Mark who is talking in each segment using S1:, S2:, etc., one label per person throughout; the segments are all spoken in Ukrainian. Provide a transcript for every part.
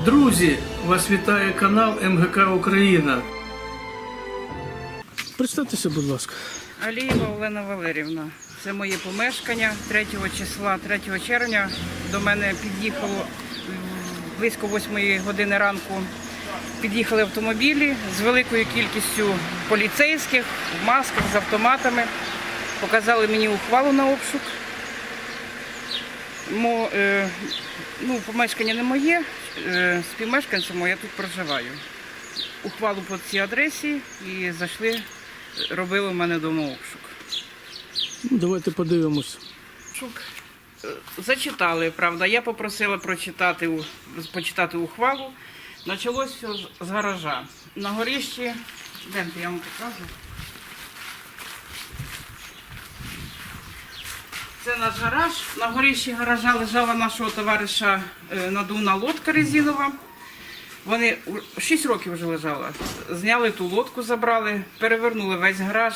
S1: Друзі, вас вітає канал МГК Україна. Представтеся, будь ласка.
S2: Алієва Олена Валерівна. Це моє помешкання. 3 червня до мене під'їхало близько 8 години ранку. Під'їхали автомобілі з великою кількістю поліцейських, в масках, з автоматами. Показали мені ухвалу на обшук. Помешкання не моє, співмешканцем я тут проживаю. Ухвалу по цій адресі і зайшли, робили в мене вдома обшук.
S1: Давайте подивимось.
S2: Зачитали, правда. Я попросила почитати ухвалу. Почалось все з гаража. На горищі, я вам покажу. Це наш гараж. На горищі гаража лежала нашого товариша надувна лодка резинова. Вони 6 років вже лежала. Зняли ту лодку, забрали, перевернули весь гараж,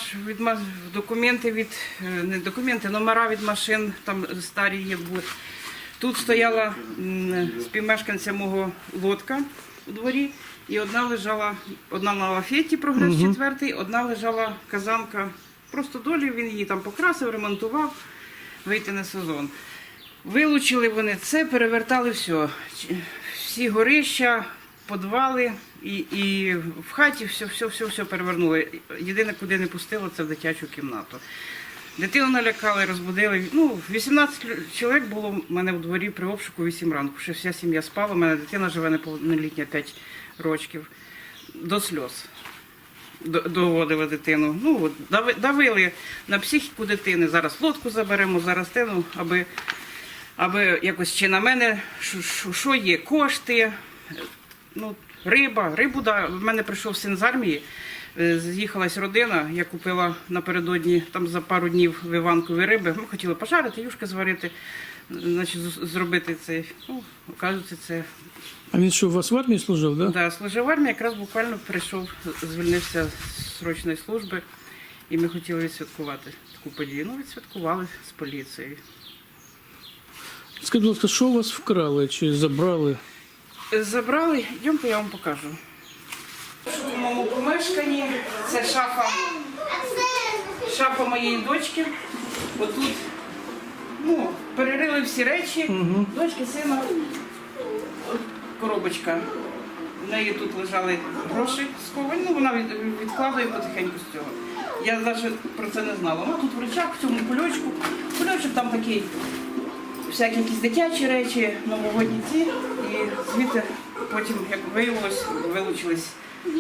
S2: номера від машин, там старі є були. Тут стояла співмешканця мого лодка у дворі, і одна на лафеті, прогрес 4, одна лежала казанка. Просто долі, він її там покрасив, ремонтував, вийти на сезон. Вилучили вони це, перевертали все. Всі горища, підвали і в хаті все перевернули. Єдине, куди не пустило, це в дитячу кімнату. Дитину налякали, розбудили. 18 чоловік було в мене в дворі при обшуку 8 ранку. Ще вся сім'я спала, у мене дитина живе неповнолітня 5 років. До сльоз доводили дитину. Давили на психіку дитини. Зараз лодку заберемо, зараз тину, аби якось чи на мене, що є, кошти, рибу. В мене прийшов син з армії, з'їхалась родина, я купила напередодні, там за пару днів виванкові риби. Ми хотіли пожарити, юшки зварити, зробити це. Оказується, це...
S1: А він що, у вас в армії служив, так?
S2: Так, служив в армії, якраз буквально прийшов, звільнився з срочної служби, і ми хотіли відсвяткувати таку подію. Відсвяткували з поліцією.
S1: Скажіть, будь ласка, що у вас вкрали чи забрали?
S2: Забрали, йдемте, я вам покажу. У моєму помешканні це шафа моєї дочки. Отут перерили всі речі, дочки, сина, коробочка. В неї тут лежали гроші сховані, вона відкладає потихеньку з цього. Я навіть про це не знала. Тут в речах, в цьому кульочку. Кульочок там такий, всякі якісь дитячі речі, новогодні ці. І звідти потім, як виявилось, вилучились.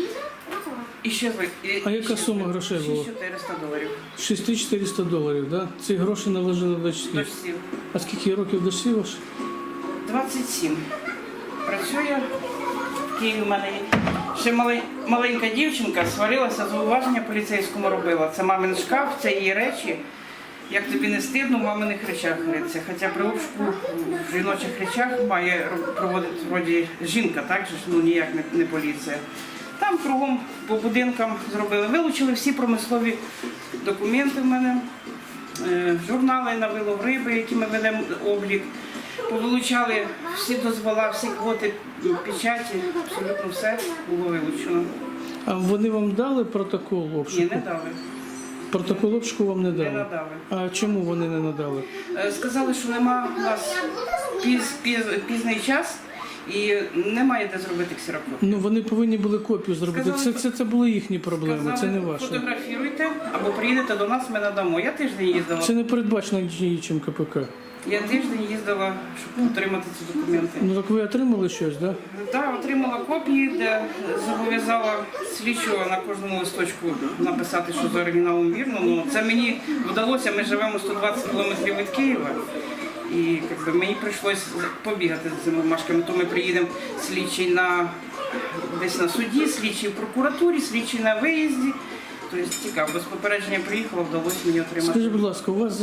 S1: А яка сума грошей була?
S2: $6400.
S1: $6400, так? Ці гроші належали дочці?
S2: Дочці.
S1: А скільки років дочці ваш?
S2: 27. Працює в Києві в мене є. Ще маленька дівчинка сварилася, зауваження поліцейському робила. Це мамин шкаф, це її речі. Як тобі не стидно, в маминих речах риться. Хоча при обшуку в жіночих речах має проводити вроді жінка, так же, ніяк не поліція. Там кругом по будинкам зробили. Вилучили всі промислові документи в мене, журнали на вилов риби, які ми ведемо облік. Повилучали всі дозвола, всі квоти, печаті, абсолютно все було вилучено.
S1: А вони вам дали протокол обшуку?
S2: Ні, не дали.
S1: Протокол обшуку вам не дали?
S2: Не надали.
S1: А чому вони не надали?
S2: Сказали, що нема у нас пізний час і немає де зробити ксерокопію.
S1: Вони повинні були копію зробити.
S2: Сказали,
S1: Це були їхні проблеми, це не ваші.
S2: Фотографіруйте або приїдете до нас, ми надамо. Я тиждень їздила.
S1: Це не передбачено нічим КПК.
S2: Я тиждень їздила, щоб отримати ці документи.
S1: Так ви отримали щось, так?
S2: Так, отримала копії, де зобов'язала слідчого на кожному листочку написати, що за оригіналом вірно. Це мені вдалося, ми живемо 120 кілометрів від Києва. І мені прийшлося побігати з цими бумажками. То ми приїдемо слідчий десь на суді, слідчий в прокуратурі, слідчий на виїзді. Тобто цікаво, без попередження приїхала, вдалося мені отримати.
S1: Скажіть, будь ласка, у вас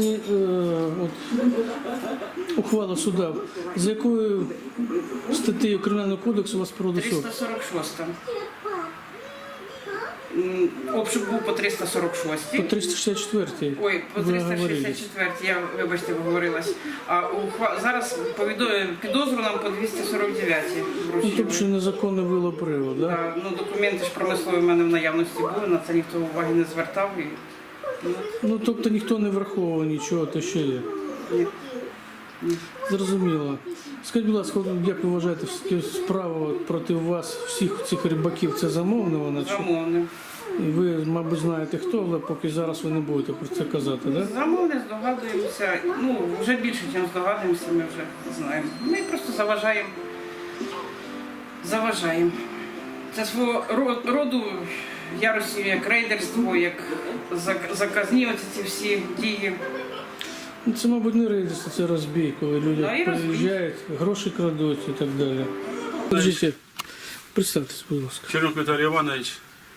S1: ухвала суда, з якою статтею Кримінального кодексу у вас проводить суд?
S2: 346. Обшук був по 346.
S1: По 364-й.
S2: Ой, по
S1: ви говорили.
S2: 364, я, вибачте, виговорилась. А зараз підозру нам по 249
S1: Ну,
S2: вручили.
S1: тобто незаконний вилов-привод, да?
S2: Да, ну, документи ж промислові в мене в наявності були, на це ніхто уваги не звертав. І,
S1: Ну, тобто ніхто не враховував нічого, то що є.
S2: ні.
S1: Зрозуміло. Скажіть, будь ласка, як ви вважаєте, справа проти вас, всіх цих рибаків, це замовна вона? Чи?
S2: Замовне.
S1: І ви, мабуть, знаєте хто, але поки зараз ви не будете про це казати, так? Да?
S2: Замовне, здогадуємося. Ну, вже більше, ніж здогадуємося, ми вже знаємо. Ми просто заважаємо. Заважаємо. Це свого роду ярості, як рейдерство, як заказні оці ці всі дії.
S1: Ну, це, мабуть, не рейдерство, це розбій, коли люди
S2: Да, і розбій.
S1: приїжджають, гроші крадуть і так далі. Скажіть, представтесь, будь ласка.
S3: Чернюк Віталій Іванович,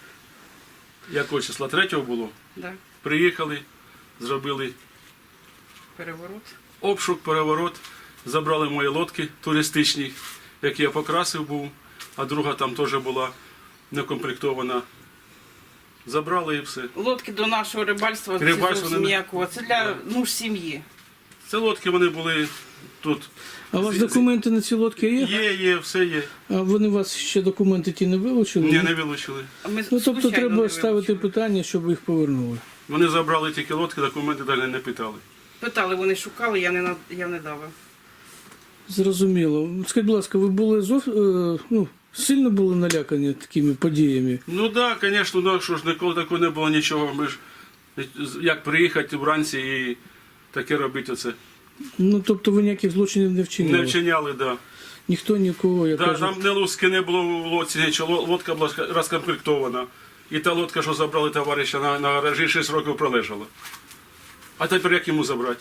S3: якого числа 3-го було,
S2: Да.
S3: приїхали, зробили
S2: Переворот.
S3: обшук, переворот, забрали мої лодки туристичні, які я покрасив був, а друга там теж була некомплектована. Забрали і все.
S2: Лодки до нашого рибальства,
S3: Рибальство
S2: це зовсім
S3: не-
S2: ніякого. Це для нужд сім'ї.
S3: Це лодки вони були тут.
S1: А у вас документи на ці лодки є?
S3: Є, все є.
S1: А вони у вас ще документи ті не вилучили?
S3: Ні, не вилучили.
S2: А ми
S1: Ну, тобто
S2: случайно
S1: треба
S2: не
S1: ставити
S2: вилучили.
S1: питання, щоб їх повернули.
S3: Вони забрали тільки лодки, документи далі не питали.
S2: Питали, вони шукали, я не дала.
S1: Зрозуміло. Скажіть, будь ласка, ви були сильно були налякані такими подіями?
S3: Ну так, да, звісно, да, що ж ніколи такого не було нічого. Ми ж як приїхати вранці і таке робити оце.
S1: Ну, тобто ви ніяких злочинів не вчиняли?
S3: Не вчиняли, так. Да.
S1: Ніхто нікого, я
S3: Да,
S1: кажу...
S3: там не луски не було в лодці, нічого, лодка була розкомплектована. І та лодка, що забрали товариша на гаражі, 6 років пролежала. А тепер як йому забрати?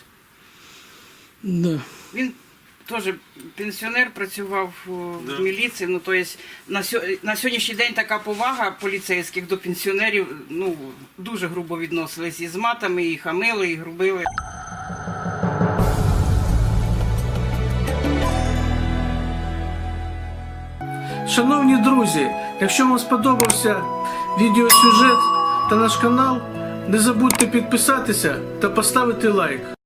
S1: Да.
S2: Він теж пенсіонер, працював в міліції. Ну, тобто, на сьогоднішній день така повага поліцейських до пенсіонерів, ну, дуже грубо відносились і з матами, і хамили, і грубили.
S1: Шановні друзі, якщо вам сподобався відеосюжет та наш канал, не забудьте підписатися та поставити лайк.